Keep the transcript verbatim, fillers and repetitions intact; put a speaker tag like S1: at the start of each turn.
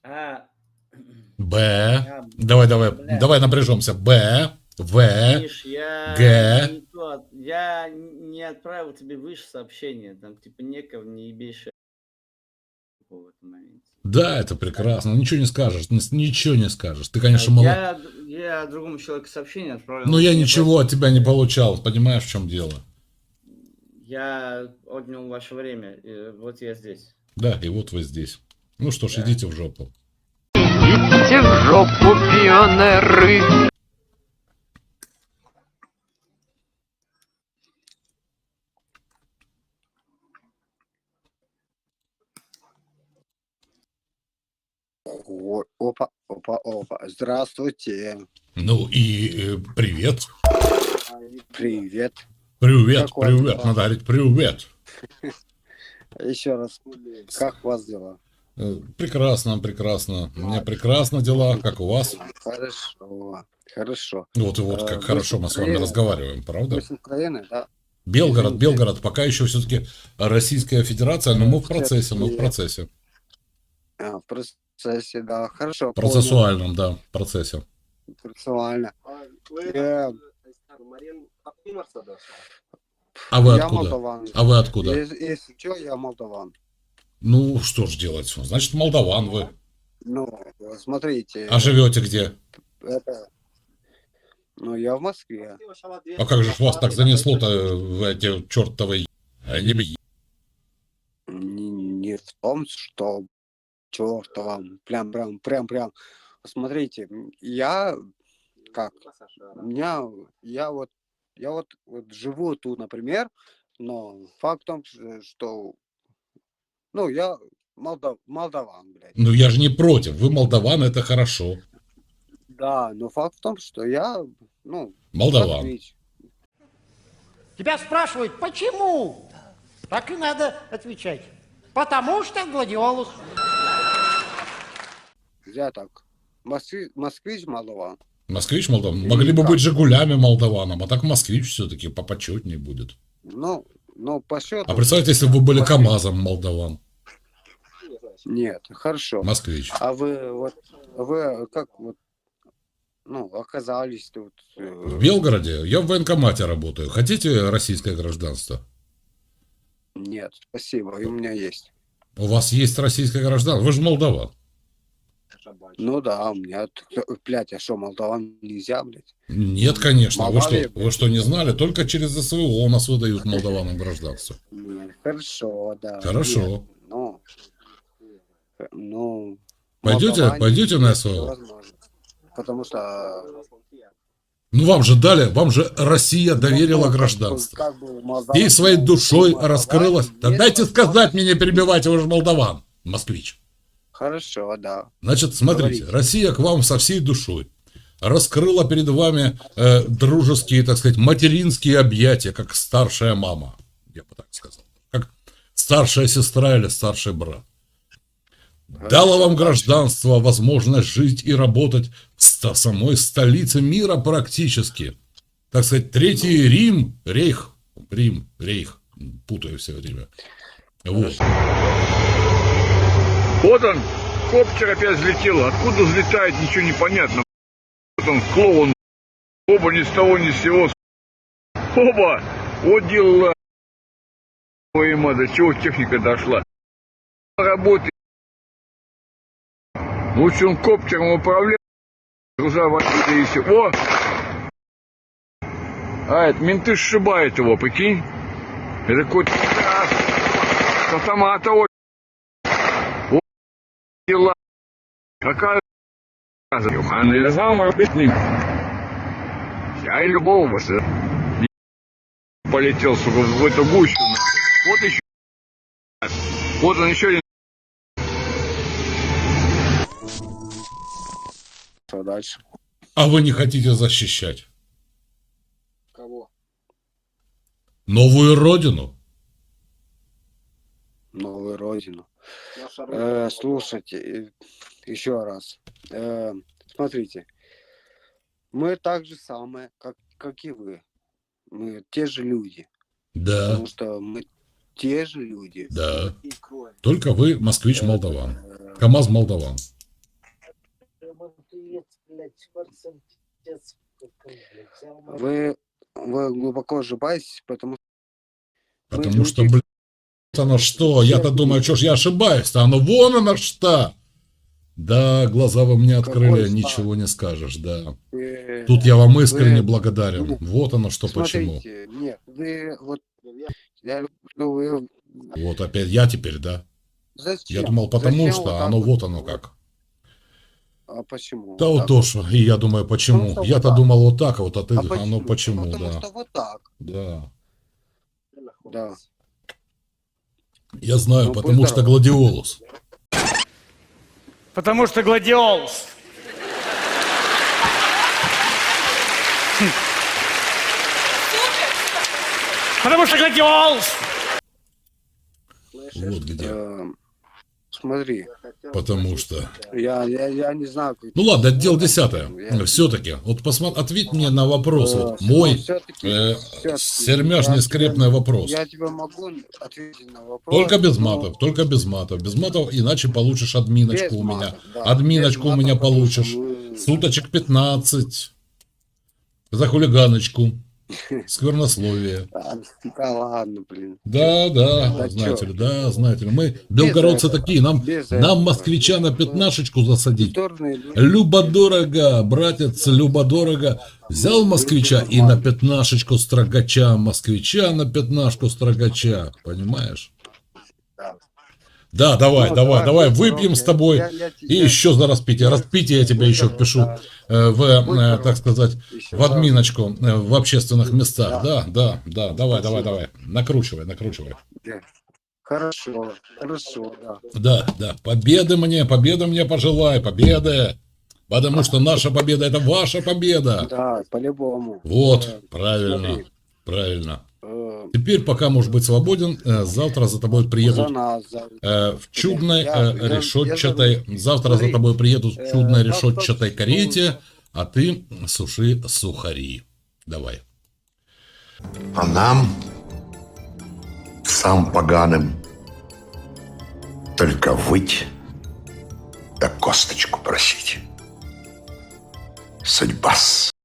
S1: А,
S2: Б.
S1: я,
S2: Давай, давай,
S1: бля,
S2: давай напряжемся. Б. В.
S1: Миш, я
S2: Г.
S1: не то, от- я не отправил тебе выше сообщение, там типа некого не ебейшего в этом моменте.
S2: Да, это прекрасно. Ничего не скажешь. н- Ничего не скажешь. Ты,
S1: А
S2: конечно, мало.
S1: я, д- я другому человеку сообщение отправил,
S2: Но
S1: он
S2: я
S1: мне
S2: ничего
S1: ответил,
S2: от тебя не получал. Понимаешь, в чем дело?
S1: я отнял ваше время, и вот я здесь.
S2: Да, и вот вы здесь. Ну что ж,
S1: Да.
S2: идите в жопу.
S3: Идите в жопу, пионеры.
S4: О, опа, опа, опа. Здравствуйте.
S2: Ну и э, привет.
S4: Привет.
S2: Привет,
S4: Как у вас
S2: привет.
S4: дела?
S2: Надо говорить привет.
S4: Еще раз. Как у вас дела?
S2: Э, Прекрасно, прекрасно. У меня прекрасно дела, как у вас.
S4: Хорошо. Хорошо.
S2: Вот и вот
S4: Э,
S2: как
S4: вы
S2: хорошо
S4: с
S2: мы с вами
S4: Украины?
S2: разговариваем, правда?
S4: Вы с Украины, да?
S2: Белгород,
S4: Извините.
S2: Белгород, пока еще все-таки Российская Федерация, но мы в процессе, мы в процессе.
S4: А, в процессе, да. Хорошо.
S2: Процессуальном, да, процессе.
S4: Понял. Процессуально. Э,
S2: А вы
S4: я
S2: откуда?
S4: молдаван.
S2: А вы откуда?
S4: Если, если что, я молдаван.
S2: Ну, что ж делать? Значит, молдаван вы.
S4: Ну, смотрите.
S2: А живете где?
S4: Это... Ну, я в Москве.
S2: А как же ж вас так занесло-то в эти чертовы... Не,
S4: Не, не в том, что чертова, прям, прям, прям, прям. Смотрите, я как, у меня, я вот, я вот, вот живу тут, например, но факт в том, что, ну, я молдав, молдаван, блядь.
S2: Ну, я же не против. Вы молдаван, это хорошо.
S4: Да, но факт в том, что я, ну,
S2: Молдаван.
S4: москвич.
S5: Тебя спрашивают, почему? Так и надо отвечать. Потому что гладиолус.
S4: Я так, москвич, москвич молдаван.
S2: Москвич молдаван.
S4: Или
S2: Могли бы
S4: как?
S2: быть Жигулями молдаваном, а так москвич все-таки попочетнее будет.
S4: Ну, ну, по счету.
S2: А представьте, если бы вы были КамАЗом молдаван.
S4: Нет, хорошо.
S2: Москвич.
S4: А вы вот, вы как вот, ну, оказались тут? э,
S2: В Белгороде я в военкомате работаю. Хотите российское гражданство?
S4: Нет, спасибо, и у меня есть.
S2: У вас есть российское гражданство? Вы же молдаван.
S4: Ну да, у меня, т- блядь, а что, молдаван нельзя, блядь?
S2: Нет, конечно. Вы
S4: Молдавия,
S2: что, вы что, не знали? Только через СВО у нас выдают молдаванам гражданство.
S4: Нет, хорошо, да.
S2: Хорошо.
S4: Нет, ну, э, ну,
S2: Пойдете,
S4: молдаване
S2: пойдете на
S4: есть
S2: СВО?
S4: возможность. Потому что...
S2: Ну вам же дали, вам же Россия доверила
S4: ну, как бы-
S2: гражданство.
S4: как бы молдаван-
S2: И своей душой
S4: молдаване
S2: раскрылась. Да
S4: есть
S2: дайте сказать,
S4: возможность-
S2: мне не перебивайте, вы же молдаван, москвич.
S4: Хорошо, да.
S2: Значит, смотрите,
S4: Говорите.
S2: Россия к вам со всей душой раскрыла перед вами э, дружеские, так сказать, материнские объятия, как старшая мама, я бы так сказал, как старшая сестра или старший брат. Дала вам гражданство, возможность жить и работать в ста- самой столице мира практически. Так сказать, Третий Рим, Рейх, Рим, Рейх, путаю все время. Вот.
S6: Вот он, коптер опять взлетел. Откуда взлетает, ничего не понятно. Вот он, клоун. Оба ни с того, ни с сего. Оба! Вот дела. Ой, ма, до чего техника дошла. Работает. Лучше он коптером управляет. Груза водили и все. О! А, это менты сшибают его, прикинь. Это какой-то с автомата. Вот дела. Какая Юхан или замок бедный. Я и любого вас полетел, сука, в эту гущу. Вот еще. Вот он еще один.
S4: Что дальше?
S2: А вы не хотите защищать
S4: Кого?
S2: новую родину?
S4: Новую родину. Э, слушайте, э, еще раз. Э, смотрите, мы так же самые, как, как и вы. Мы те же люди.
S2: Да,
S4: Потому что мы те же люди.
S2: да. Только вы москвич молдаван. КамАЗ молдаван.
S4: Вы, вы глубоко ошибаетесь, потому что... вы
S2: Потому что,
S4: люди-
S2: блин, вот оно что, я-то думаю, что ж я ошибаюсь-то, оно вон оно что. Да, глаза вы мне открыли,
S4: Какой
S2: ничего не скажешь, да.
S4: э,
S2: Тут я вам искренне
S4: вы-
S2: благодарен. Вот оно что почему.
S4: Смотрите, нет, вы вот... Я, ну, вы,
S2: Вот опять я теперь, да.
S4: зачем?
S2: Я думал, потому
S4: Зачем
S2: что,
S4: вот
S2: а
S4: так
S2: оно
S4: вот?
S2: вот оно как.
S4: А почему?
S2: Да
S4: вот
S2: вот
S4: так
S2: тоже. И я думаю, почему.
S4: Просто вот
S2: Я-то
S4: так.
S2: думал вот так, а вот а ты,
S4: А
S2: оно
S4: почему?
S2: почему,
S4: Ну, потому
S2: да.
S4: что вот так,
S2: Да.
S4: да.
S2: Я знаю,
S4: Ну,
S2: потому
S4: будь
S2: что
S4: здоров.
S2: гладиолус.
S7: Потому что гладиолус. Потому что гладиолус.
S2: Вот где.
S4: Э, смотри,
S2: Потому что.
S4: я, я, я не знаю, как...
S2: Ну ладно, это дело десятое.
S4: Я-
S2: Все-таки. Вот посмотри, ответь мне на вопрос.
S4: Э,
S2: Вот
S4: ну,
S2: мой
S4: всё-таки-
S2: э,
S4: всё-таки
S2: сермяжный
S4: я
S2: скрепный
S4: тебе-
S2: вопрос.
S4: Я тебе могу ответить на вопрос.
S2: Только без
S4: но
S2: матов, только без матов. Без матов, иначе получишь админочку
S4: без
S2: у меня.
S4: матов, да,
S2: Админочку
S4: без
S2: у меня
S4: матов, потому что
S2: получишь.
S4: мы-
S2: Суточек пятнадцать. За хулиганочку. Сквернословие.
S4: Да, да ладно, блин.
S2: Да, да,
S4: Да
S2: знаете
S4: чё?
S2: ли, да, знаете ли. Мы, белгородцы
S4: этого,
S2: такие, нам,
S4: без
S2: нам
S4: этого.
S2: москвича на пятнашечку засадить.
S4: Культурные люди.
S2: Любо-дорого, братец, любо-дорого. Взял москвича и на пятнашечку строгача, москвича на пятнашку строгача, понимаешь?
S4: Да.
S2: Да, давай,
S4: Ну,
S2: давай, давай,
S4: будь
S2: выпьем
S4: здоров,
S2: с тобой.
S4: я- я-
S2: И
S4: я-
S2: еще за распитие. Распитие я тебе
S4: Будь
S2: еще
S4: здоров,
S2: впишу
S4: да.
S2: э, в,
S4: Будь
S2: э,
S4: здоров.
S2: так сказать,
S4: Еще,
S2: в
S4: да.
S2: админочку э, в общественных местах. Да,
S4: Да.
S2: да, да, давай, давай,
S4: Спасибо.
S2: давай. Накручивай, накручивай.
S4: Да. Хорошо, хорошо, да.
S2: Да, да, победы мне, победы мне пожелай, победы. Потому что наша победа – это ваша победа.
S4: Да, по-любому.
S2: Вот,
S4: Э,
S2: правильно,
S4: смотри,
S2: правильно.
S4: э,
S2: Теперь, пока можешь быть свободен, э, завтра за тобой
S4: за
S2: приедут
S4: нас, за-
S2: э, в чудной
S4: Я-
S2: э,
S4: я-
S2: решетчатой,
S4: я-
S2: завтра за
S4: смотри,
S2: тобой приедут в
S4: э,
S2: чудной
S4: как
S2: решетчатой
S4: так,
S2: карете, а ты суши сухари. Давай.
S8: А нам, сам поганым, только выть да косточку просить. Судьба-с.